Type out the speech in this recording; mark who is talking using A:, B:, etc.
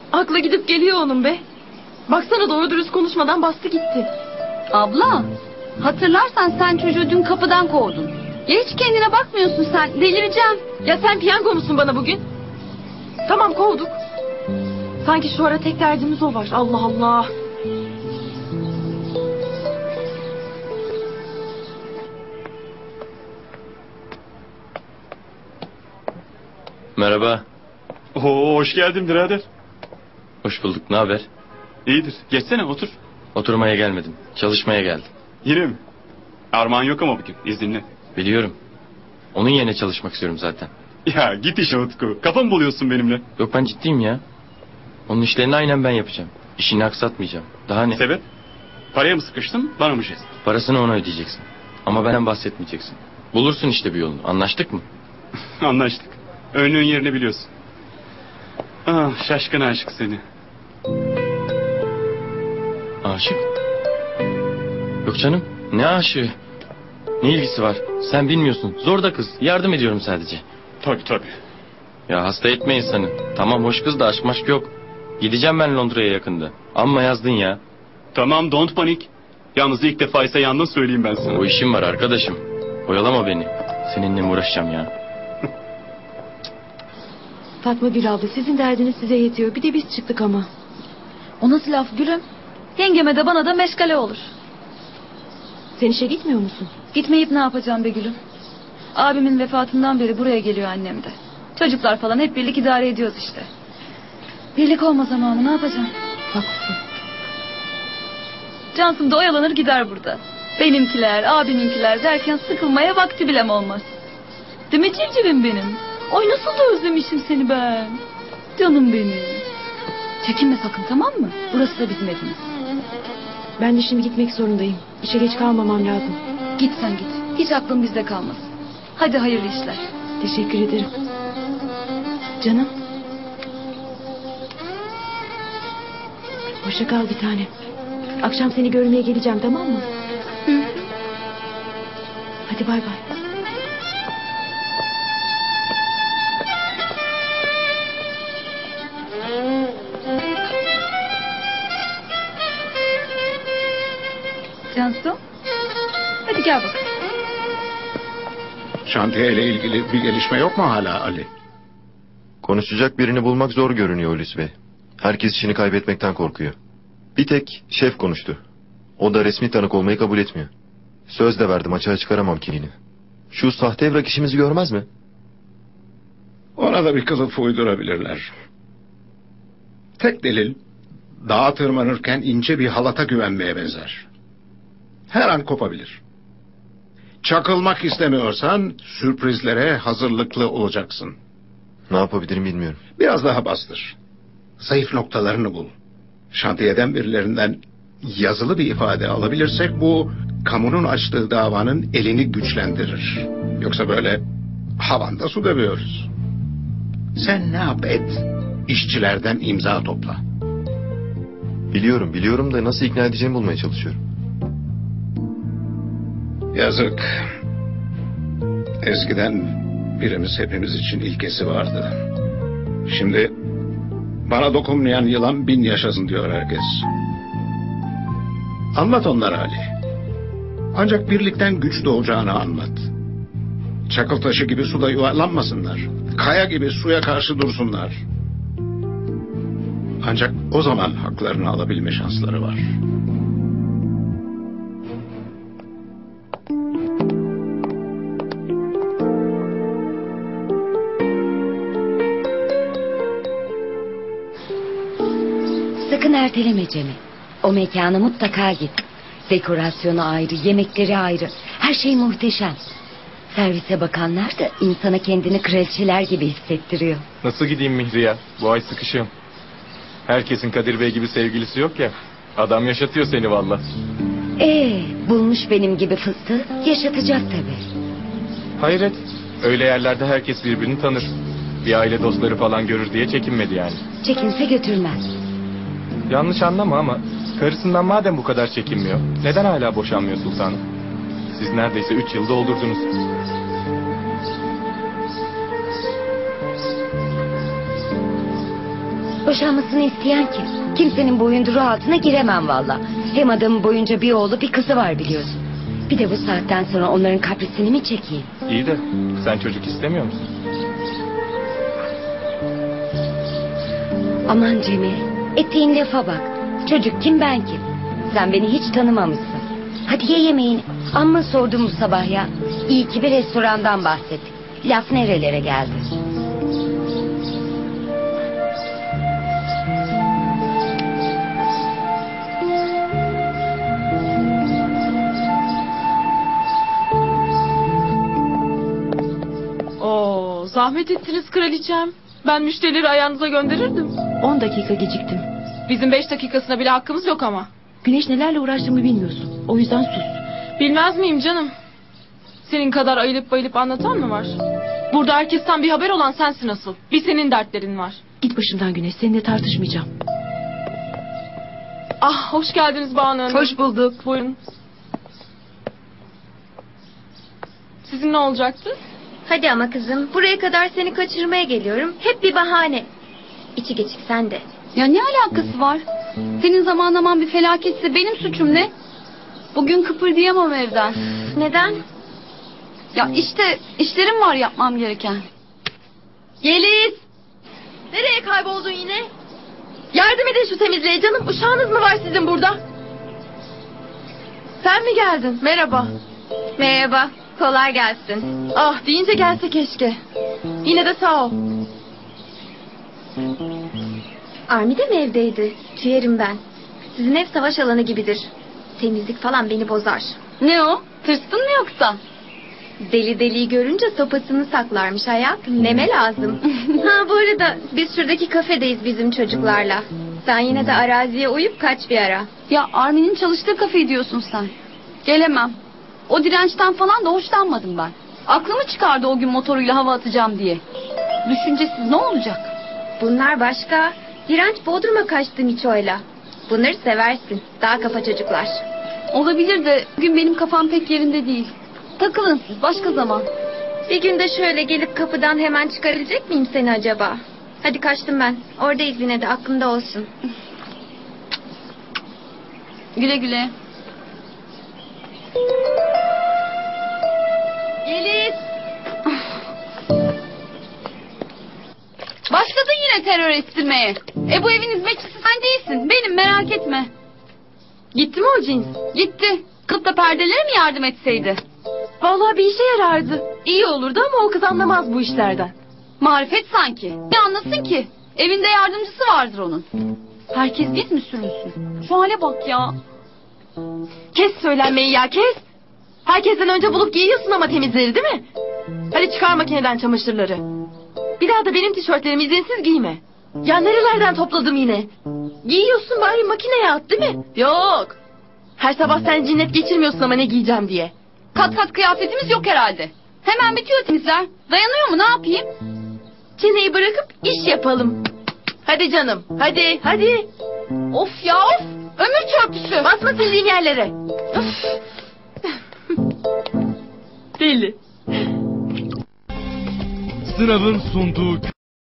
A: Akla gidip geliyor onun be. Baksana doğru dürüst konuşmadan bastı gitti.
B: Abla, hatırlarsan sen çocuğu dün kapıdan kovdun. Ya hiç kendine bakmıyorsun sen, delireceğim.
A: Ya sen piyango musun bana bugün? Tamam kovduk. Sanki şu ara tek derdimiz o var. Allah Allah.
C: Merhaba.
D: Oo, hoş geldin birader.
C: Hoş bulduk. Ne haber?
D: İyidir. Geçsene otur.
C: Oturmaya gelmedim. Çalışmaya geldim.
D: Yine mi? Armağan yok ama bugün. İzinli.
C: Biliyorum. Onun yerine çalışmak istiyorum zaten.
D: Ya git işe Utku. Kafa mı buluyorsun benimle?
C: Yok ben ciddiyim ya. Onun işlerini aynen ben yapacağım. İşini aksatmayacağım. Daha ne?
D: Sebep? Paraya mı sıkıştın? Bana mı jest?
C: Parasını ona ödeyeceksin. Ama benden bahsetmeyeceksin. Bulursun işte bir yolunu. Anlaştık mı?
D: Anlaştık. Önlüğün yerini biliyorsun. Ah, şaşkın aşık seni.
C: Aşık? Yok canım. Ne aşığı? Ne ilgisi var? Sen bilmiyorsun. Zor da kız. Yardım ediyorum sadece.
D: Tabii.
C: Ya hasta etme insanı. Tamam hoş kız da aşk maşk yok. Gideceğim ben Londra'ya yakında. Amma yazdın ya.
D: Tamam, don't panik. Yalnız ilk defa ise yandın söyleyeyim ben sana.
C: O işim var arkadaşım. Oyalama beni. Seninle mi uğraşacağım ya?
A: Fatma Gül abla sizin derdiniz size yetiyor. Bir de biz çıktık ama.
B: O nasıl laf gülüm? Yengeme de bana da meşgale olur.
A: Sen işe gitmiyor musun?
B: Gitmeyip ne yapacağım be gülüm? Abimin vefatından beri buraya geliyor annem de. Çocuklar falan hep birlik idare ediyoruz işte. Birlik olmaz ama ne yapacağım?
A: Haklısın.
B: Cansım da oyalanır gider burada. Benimkiler, abiminkiler derken sıkılmaya vakti bilem olmaz. Değil mi civcivim benim? Ay nasıl da özlemişim seni ben. Canım benim. Çekinme sakın, tamam mı? Burası da bizim evimiz.
A: Ben de şimdi gitmek zorundayım. İşe geç kalmamam lazım.
B: Git sen git. Hiç aklın bizde kalmasın. Hadi hayırlı işler.
A: Teşekkür ederim. Canım. Hoşça kal bir tanem. Akşam seni görmeye geleceğim, tamam mı? Hadi bay bay.
B: Cansu. Hadi gel bakalım.
E: Şantiye ile ilgili bir gelişme yok mu hala Ali?
F: Konuşacak birini bulmak zor görünüyor Hulusi Bey. Herkes işini kaybetmekten korkuyor. Bir tek şef konuştu. O da resmi tanık olmayı kabul etmiyor. Söz de verdim, açığa çıkaramam kimliğini. Şu sahte evrak işimizi görmez mi?
E: Ona da bir kılıf uydurabilirler. Tek delil dağa tırmanırken ince bir halata güvenmeye benzer. Her an kopabilir. Çakılmak istemiyorsan sürprizlere hazırlıklı olacaksın.
F: Ne yapabilirim bilmiyorum.
E: Biraz daha bastır. Zayıf noktalarını bul. Şantiyeden birilerinden yazılı bir ifade alabilirsek bu kamunun açtığı davanın elini güçlendirir. Yoksa böyle havanda su dövüyoruz. Sen ne yap et? İşçilerden imza topla.
F: Biliyorum da nasıl ikna edeceğimi bulmaya çalışıyorum.
E: Yazık. Eskiden birimiz hepimiz için ilkesi vardı. Şimdi bana dokunmayan yılan 1000 yaşasın diyor herkes. Anlat onlara Ali. Ancak birlikten güç doğacağını anlat. Çakıl taşı gibi suda yuvarlanmasınlar. Kaya gibi suya karşı dursunlar. Ancak o zaman haklarını alabilme şansları var.
G: Sakın erteleme Cem'i. O mekana mutlaka git. Dekorasyonu ayrı, yemekleri ayrı. Her şey muhteşem. Servise bakanlar da insana kendini kraliçeler gibi hissettiriyor.
H: Nasıl gideyim Mihri'ye? Bu ay sıkışığım. Herkesin Kadir Bey gibi sevgilisi yok ya. Adam yaşatıyor seni valla.
G: Bulmuş benim gibi fıstığı, yaşatacak tabii.
H: Hayret. Öyle yerlerde herkes birbirini tanır. Bir aile dostları falan görür diye çekinmedi yani.
G: Çekinse götürmez.
H: Yanlış anlama ama karısından madem bu kadar çekinmiyor, neden hala boşanmıyor sultanım? Siz neredeyse 3 yıl doldurdunuz.
G: Boşanmasını isteyen kim? Kimsenin boyunduruğu altına giremem valla. Hem adamın boyunca bir oğlu bir kızı var biliyorsun. Bir de bu saatten sonra onların kaprisini mi çekeyim?
H: İyi de sen çocuk istemiyor musun?
G: Aman Cemil, ettiğin lafa bak. Çocuk kim ben kim? Sen beni hiç tanımamışsın. Hadi ye yemeğini. Amma sordum bu sabah ya. İyi ki bir restorandan bahsettik. Laf nerelere geldi?
A: Oo, zahmet ettiniz kraliçem. Ben müşterileri ayağınıza gönderirdim.
I: 10 dakika geciktim.
A: Bizim 5 dakikasına bile hakkımız yok ama.
I: Güneş nelerle uğraştığımı bilmiyorsun. O yüzden sus.
A: Bilmez miyim canım? Senin kadar ayılıp bayılıp anlatan mı var? Burada herkesten bir haber olan sensin asıl. Bir senin dertlerin var.
I: Git başımdan Güneş. Seninle tartışmayacağım.
A: Ah, hoş geldiniz Banu Hanım.
I: Hoş bulduk.
A: Buyurun. Sizin ne olacaktı?
J: Hadi ama kızım, buraya kadar seni kaçırmaya geliyorum. Hep bir bahane. İçi geçik sen de.
B: Ya ne alakası var? Senin zamanlaman bir felaketse benim suçum ne? Bugün kıpırdayamam evden.
J: Neden?
B: Ya işte işlerim var yapmam gereken.
A: Yeliz! Nereye kayboldun yine? Yardım edin şu temizliğe canım. Uşağınız mı var sizin burada? Sen mi geldin? Merhaba.
J: Merhaba, kolay gelsin.
A: Ah, deyince gelse keşke. Yine de sağ ol.
J: Armi de mi evdeydi? Tüyerim ben. Sizin ev savaş alanı gibidir. Temizlik falan beni bozar.
B: Ne o? Tırstın mı yoksa?
J: Deli deliyi görünce sopasını saklarmış hayatım. Neme lazım. Ha bu arada biz şuradaki kafedeyiz bizim çocuklarla. Sen yine de araziye uyup kaç bir ara.
B: Ya Armin'in çalıştığı kafeyi diyorsun sen. Gelemem. O dirençten falan da hoşlanmadım ben. Aklımı çıkardı o gün motoruyla hava atacağım diye. Düşüncesiz ne olacak?
J: Bunlar başka. Direnç Bodrum'a kaçtı Miço'yla. Bunları seversin. Daha kafa çocuklar.
B: Olabilir de bugün benim kafam pek yerinde değil. Takılın siz başka zaman.
J: Bir günde şöyle gelip kapıdan hemen çıkarabilecek miyim seni acaba? Hadi kaçtım ben. Oradayız yine de aklımda olsun.
B: Güle güle.
A: Yeliz!
B: Başladın yine terör estirmeye. Bu evin hizmetçisi sen değilsin. Benim merak etme.
A: Gitti mi o cins?
B: Gitti. Kılıp da perdeleri mi yardım etseydi?
A: Vallahi bir işe yarardı. İyi olurdu ama o kız anlamaz bu işlerden.
B: Marifet sanki. Ne anlasın ki? Evinde yardımcısı vardır onun. Herkes biz mi sürünsün? Şu hale bak ya.
A: Kes söylenmeyi ya, kes. Herkesten önce bulup giyiyorsun ama temizleri değil mi? Hadi çıkar makineden çamaşırları. Bir daha da benim tişörtlerimi izinsiz giyme. Ya nerelerden topladım yine? Giyiyorsun bari makineye at değil mi? Yok. Her sabah sen cinnet geçirmiyorsun ama ne giyeceğim diye.
B: Kat kat kıyafetimiz yok herhalde. Hemen bitiyor temizler. Dayanıyor mu ne yapayım?
A: Çeneyi bırakıp iş yapalım. Hadi canım, hadi, hadi.
B: Of ya of. Ömür çöpçüsü.
A: Basma sildiğin yerlere. Öf. Deli.
K: Sınavın sunduğu